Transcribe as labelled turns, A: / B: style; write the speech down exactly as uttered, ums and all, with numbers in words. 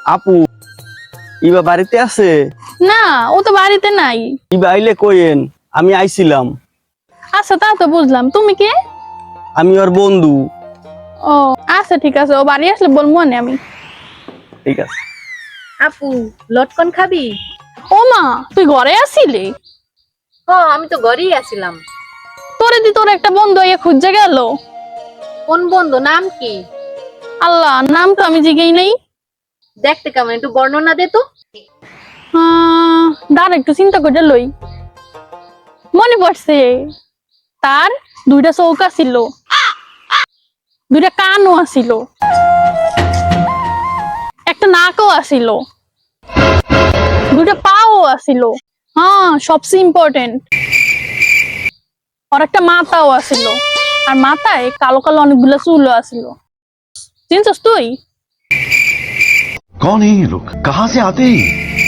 A: আপু ইবা বাড়িতে আছে?
B: না, ও তো বাড়িতে নাই।
A: ইবা আইলে কইেন আমি আইছিলাম।
B: আচ্ছা, তা তো বুঝলাম। তুমি কে?
A: আমি ওর বন্ধু।
B: ও আচ্ছা, ঠিক আছে, ও বাড়ি আসলে বলবো না আমি।
A: ঠিক আছে।
C: আপু লটকন খাবি?
B: ও মা, তুই ঘরে আসিলি?
C: হ, আমি তো ঘরেই আছিলাম।
B: তোরে দি তোর একটা বন্ধু ইয়ে খুঁজে গেল।
C: কোন বন্ধু, নাম কি?
B: আল্লাহ, নাম তো আমি জিগেই নাই।
C: দেখতে কেমন, একটু বর্ণনা দে তো।
B: আহ, দাঁড়া একটু চিন্তা করে লই। মনে পড়ছে, তার দুইটা চৌকা ছিল, দুইটা কানও আছিল, একটা নাকও আছিল, দুইটা পাও আছিল। হ্যাঁ, সবচেয়ে ইম্পর্টেন্ট, আর একটা মাথাও আছিল। আর মাথায় কালো কালো অনেকগুলো চুলও আছিল। চিনছস তুই?
D: कौन है ये लोग, कहाँ से आते हैं?